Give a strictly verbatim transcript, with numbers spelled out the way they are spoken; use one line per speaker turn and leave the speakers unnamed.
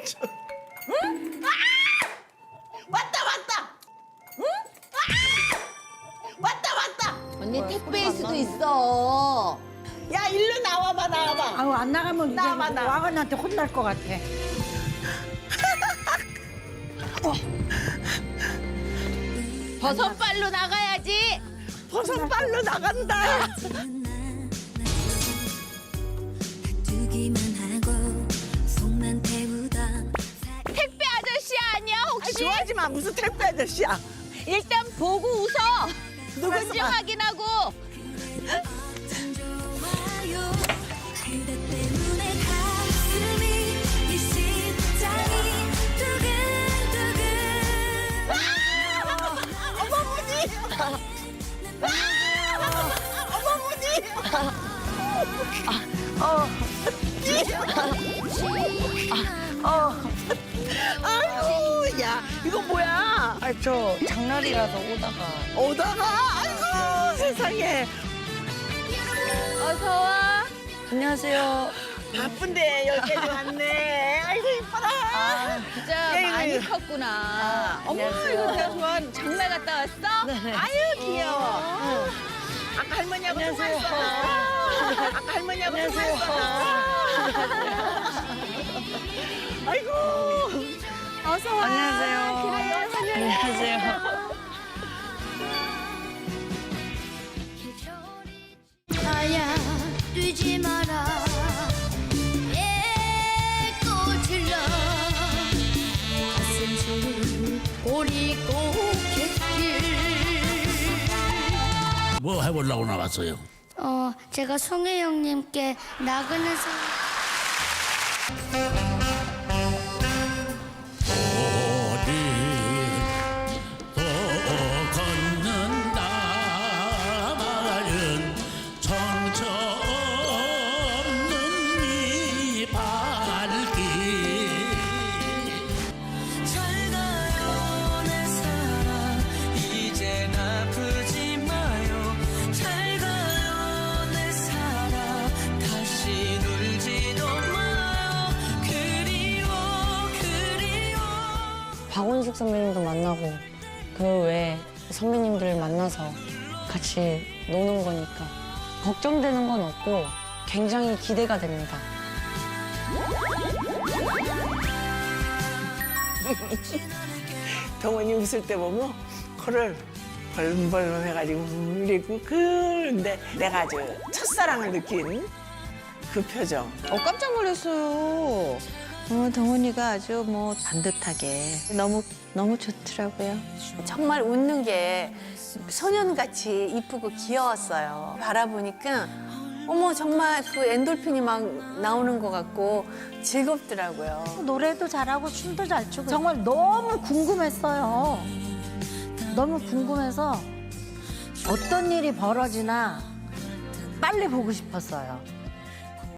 응? 아! 왔다 왔다. 응? 아! 왔다 왔다.
언니 택배일 수도 있어.
야 일로 나와봐 나와봐.
아우 안 나가면 이제
나와, 나와.
와가한테 혼날 것 같아.
버섯발로 나가야지.
버섯 빨로 나간다.
두기만 하고 속만 태우다
택배 아저씨 아니야
아이,
혹시?
좋아하지 마 무슨 택배 아저씨야.
일단 보고 웃어. 누군지
누구야?
확인하고.
참 좋아요 그대 때문에 가슴이 이 심장이 두근두근
어머무니. 어머무니. 아유, 야, 이거 뭐야?
아, 저 장날이라서 오다가.
오다가, 아이고, 세상에.
어서 와.
안녕하세요.
바쁜데 여기까지 왔네. 아이고, 이뻐라.
아, 진짜
예,
많이
예.
컸구나.
아,
어머,
안녕하세요.
이거 내가 좋아하는 장날 갔다 왔어?
아유, 귀여워. 응. 아까 할머니하고
안녕하세요.
통화했어. 아까 할머니하고 통화했어. 아이고. 어서 와.
안녕하세요.
그래,
안녕하세요.
아야 뛰지 마라 예 꽃을러 가슴 속을 보리꽃길
뭐 해보려고 나왔어요?
어 제가 송혜 형님께 나그네 상
어디 또 걷는다 마른 정처 없는 이 발길
잘 가요 내 사랑 이젠 아프지 마요 잘 가요 내 사랑 다시 울지도 마요 그리워 그리워
박원숙 선배님도 만나고 그 외에 선배님들을 만나서 같이 노는 거니까 걱정되는 건 없고 굉장히 기대가 됩니다.
동원이 웃을 때 보면 코를 벌벌 해가지고 울리고 그런데 내가 아주 첫사랑을 느낀 그 표정.
어, 깜짝 놀랐어요. 어, 동훈이가 아주 뭐 반듯하게 너무 너무 좋더라고요.
정말 웃는 게 소년같이 이쁘고 귀여웠어요. 바라보니까 어머 정말 그 엔돌핀이 막 나오는 것 같고 즐겁더라고요.
노래도 잘하고 춤도 잘 추고 정말 너무 궁금했어요. 너무 궁금해서 어떤 일이 벌어지나 빨리 보고 싶었어요.